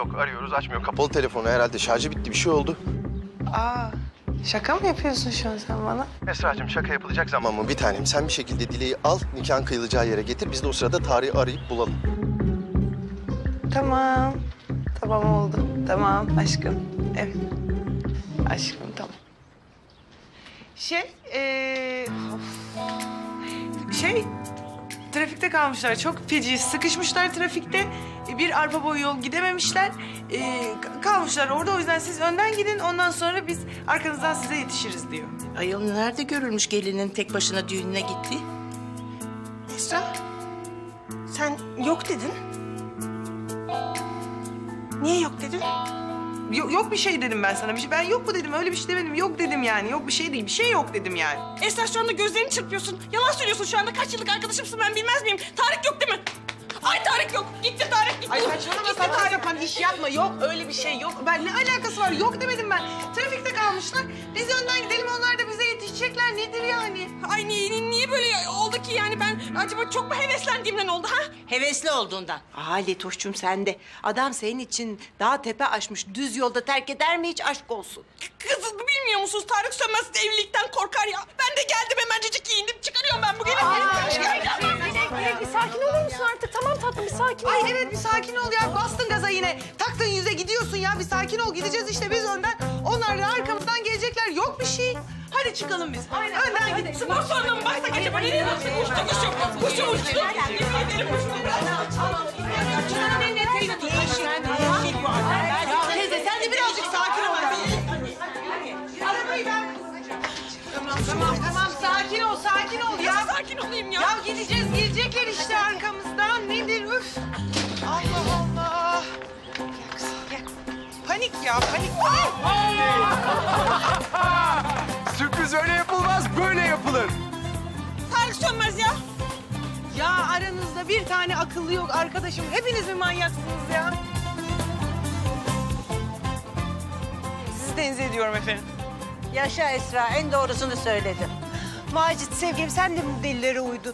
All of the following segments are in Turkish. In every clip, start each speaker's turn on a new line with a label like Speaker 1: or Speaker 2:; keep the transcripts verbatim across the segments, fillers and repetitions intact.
Speaker 1: Yok, arıyoruz açmıyor. Kapalı telefonu herhalde. Şarjı bitti, bir şey oldu.
Speaker 2: Aa, şaka mı yapıyorsun şu an sen bana?
Speaker 1: Esra'cığım şaka yapılacak zaman mı? Bir tanem sen bir şekilde Dile'yi al, nikahın kıyılacağı yere getir. Biz de o sırada tarihi arayıp bulalım.
Speaker 2: Tamam. Tamam oldu. Tamam aşkım. Evet. Aşkım tamam. Şey, ee... of. Şey, trafikte kalmışlar. Çok feci sıkışmışlar trafikte. Bir arpa boyu yol gidememişler. Ee, ka- kalmışlar orada. O yüzden siz önden gidin. Ondan sonra biz arkanızdan size yetişiriz diyor.
Speaker 3: Ayol nerede görülmüş gelinin tek başına düğününe gitti?
Speaker 4: Esra, sen yok dedin. Niye yok dedin?
Speaker 2: Yok, yok bir şey dedim ben sana. Bir şey, ben yok mu dedim. Öyle bir şey demedim. Yok dedim yani. Yok bir şey değil. Bir şey yok dedim yani.
Speaker 4: Esra şu anda gözlerini çırpıyorsun. Yalan söylüyorsun şu anda. Kaç yıllık arkadaşımsın ben bilmez miyim? Tarık yok değil mi? Ay Tarık yok. Gitti Tarık gitti.
Speaker 2: Ay saçmalama saçma sapan iş yapma. Yok öyle bir şey yok. Ben ne alakası var? Yok demedim ben. Trafikte kalmışlar. Biz önden gidelim. Onlar da bize yetişecekler. Nedir yani?
Speaker 4: Ay niye, niye böyle oldu ki yani ben acaba çok mu heveslendiğimden oldu ha?
Speaker 3: Hevesli olduğundan.
Speaker 5: Aa Letoş'cum sen de. Adam senin için dağ tepe aşmış. Düz yolda terk eder mi hiç aşk olsun?
Speaker 4: Kız bilmiyor musunuz Tarık Sönmez evlilikten korkar ya. Ben de geldim hemencecik giyindim çıkarıyorum ben bugün.
Speaker 6: Bir sakin olur musun artık? Tamam tatlım bir sakin ol.
Speaker 2: Ay evet bir sakin ol ya. Bastın gaza yine. Taktın yüze gidiyorsun ya. Bir sakin ol. Gideceğiz işte biz önden. Onlar da arkamızdan gelecekler. Yok bir şey. Hadi çıkalım biz. Aynen. Önden gidelim.
Speaker 4: Spor salonuna mı baksak acaba? Nereye baksak? Uçtu kuşum. Kuşum uçtu. Yemin ederim uçtu.
Speaker 2: Teyze sen de birazcık sakin ol. Arabayı ben... Tamam tamam tamam sakin ol sakin ol ya.
Speaker 4: Nasıl sakin olayım ya?
Speaker 2: Ya gideceğiz gelecekler işte arkamızdan. Nedir üf. Allah Allah. Gel kızım gel. Panik ya panik.
Speaker 7: Sürpriz öyle yapılmaz, böyle yapılır.
Speaker 4: Tarık Sönmez ya.
Speaker 2: Ya aranızda bir tane akıllı yok arkadaşım. Hepiniz mi manyaksınız ya? Sizi tenzih ediyorum efendim.
Speaker 5: Yaşa Esra en doğrusunu söyledin. Macit sevgilim sen de bu delilere uydun.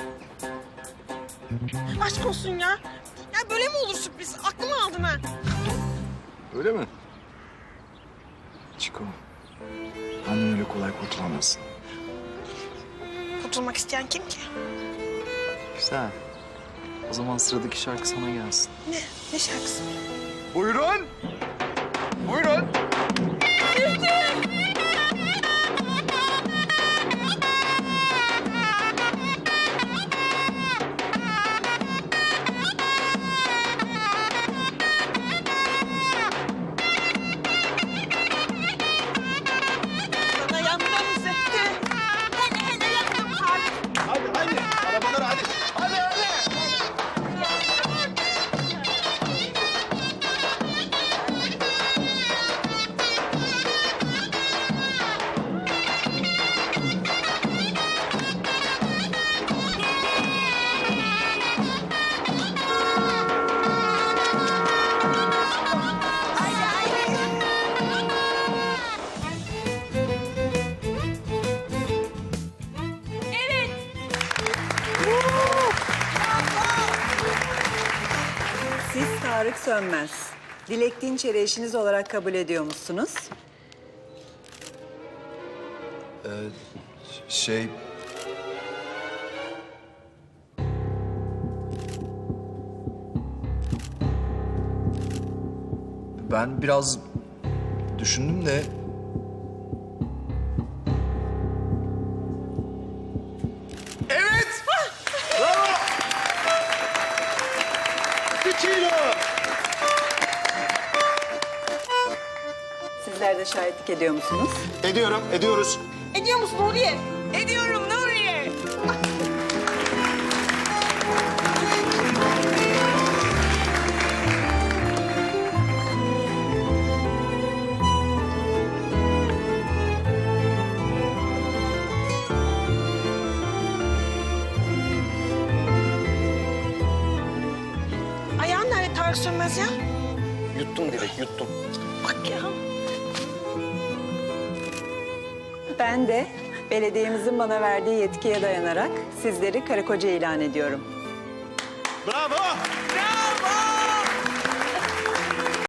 Speaker 4: Aşk olsun ya. Ya böyle mi olur sürpriz? Aklımı aldın ha.
Speaker 7: Öyle mi? Çiko, benden öyle kolay kurtulamazsın.
Speaker 4: Kurtulmak isteyen kim ki?
Speaker 8: Güzel. O zaman sıradaki şarkı sana gelsin.
Speaker 4: Ne? Ne şarkısı?
Speaker 7: Buyurun. Buyurun.
Speaker 4: Sana yandım zıttı. Hele hele yandım Tarık.
Speaker 7: Hadi hadi. Arabalara hadi. Hadi hadi.
Speaker 9: Siz Tarık Sönmez. Dilek Dinçer'i eşiniz olarak kabul ediyor musunuz?
Speaker 7: Şey... Ben biraz düşündüm de... Evet! Bravo! Bir kilo!
Speaker 9: Sizler de şahitlik ediyor musunuz?
Speaker 1: Ediyorum, ediyoruz.
Speaker 4: Ediyor musun Nuriye?
Speaker 2: Ediyorum Nuriye.
Speaker 4: Ayağın nerede Tarık Sönmez ya?
Speaker 1: Yuttum Dilek, yuttum.
Speaker 4: Bak ya.
Speaker 9: Ben de belediyemizin bana verdiği yetkiye dayanarak sizleri karı koca ilan ediyorum.
Speaker 7: Bravo!
Speaker 2: Bravo.